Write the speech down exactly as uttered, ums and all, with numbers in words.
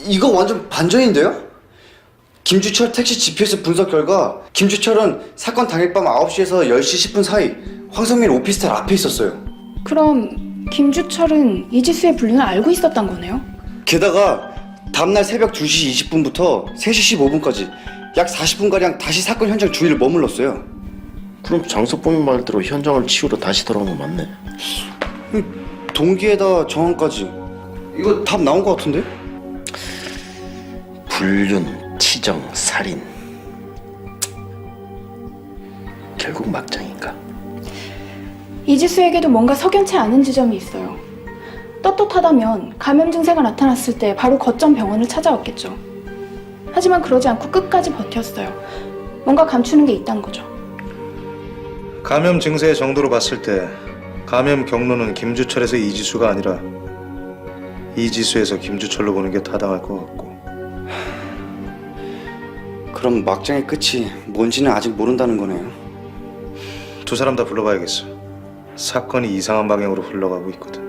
이거 완전 반전인데요? 김주철 택시 지피에스 분석 결과 김주철은 사건 당일 밤 아홉 시에서 열 시 십 분 사이 황성민 오피스텔 앞에 있었어요. 그럼 김주철은 이지수의 불륜을 알고 있었던 거네요? 게다가 다음날 새벽 두 시 이십 분부터 세 시 십오 분까지 약 사십 분가량 다시 사건 현장 주위를 머물렀어요. 그럼 장석범이 말대로 현장을 치우러 다시 돌아온 거 맞네. 동기에다 정황까지. 이거 답 나온 것 같은데? 불륜, 치정, 살인. 결국 막장인가? 이지수에게도 뭔가 석연치 않은 지점이 있어요. 떳떳하다면 감염 증세가 나타났을 때 바로 거점 병원을 찾아왔겠죠. 하지만 그러지 않고 끝까지 버텼어요. 뭔가 감추는 게 있다는 거죠. 감염 증세의 정도로 봤을 때 감염 경로는 김주철에서 이지수가 아니라 이지수에서 김주철로 보는 게 타당할 것 같고. 그럼 막장의 끝이 뭔지는 아직 모른다는 거네요. 두 사람 다 불러봐야겠어. 사건이 이상한 방향으로 흘러가고 있거든.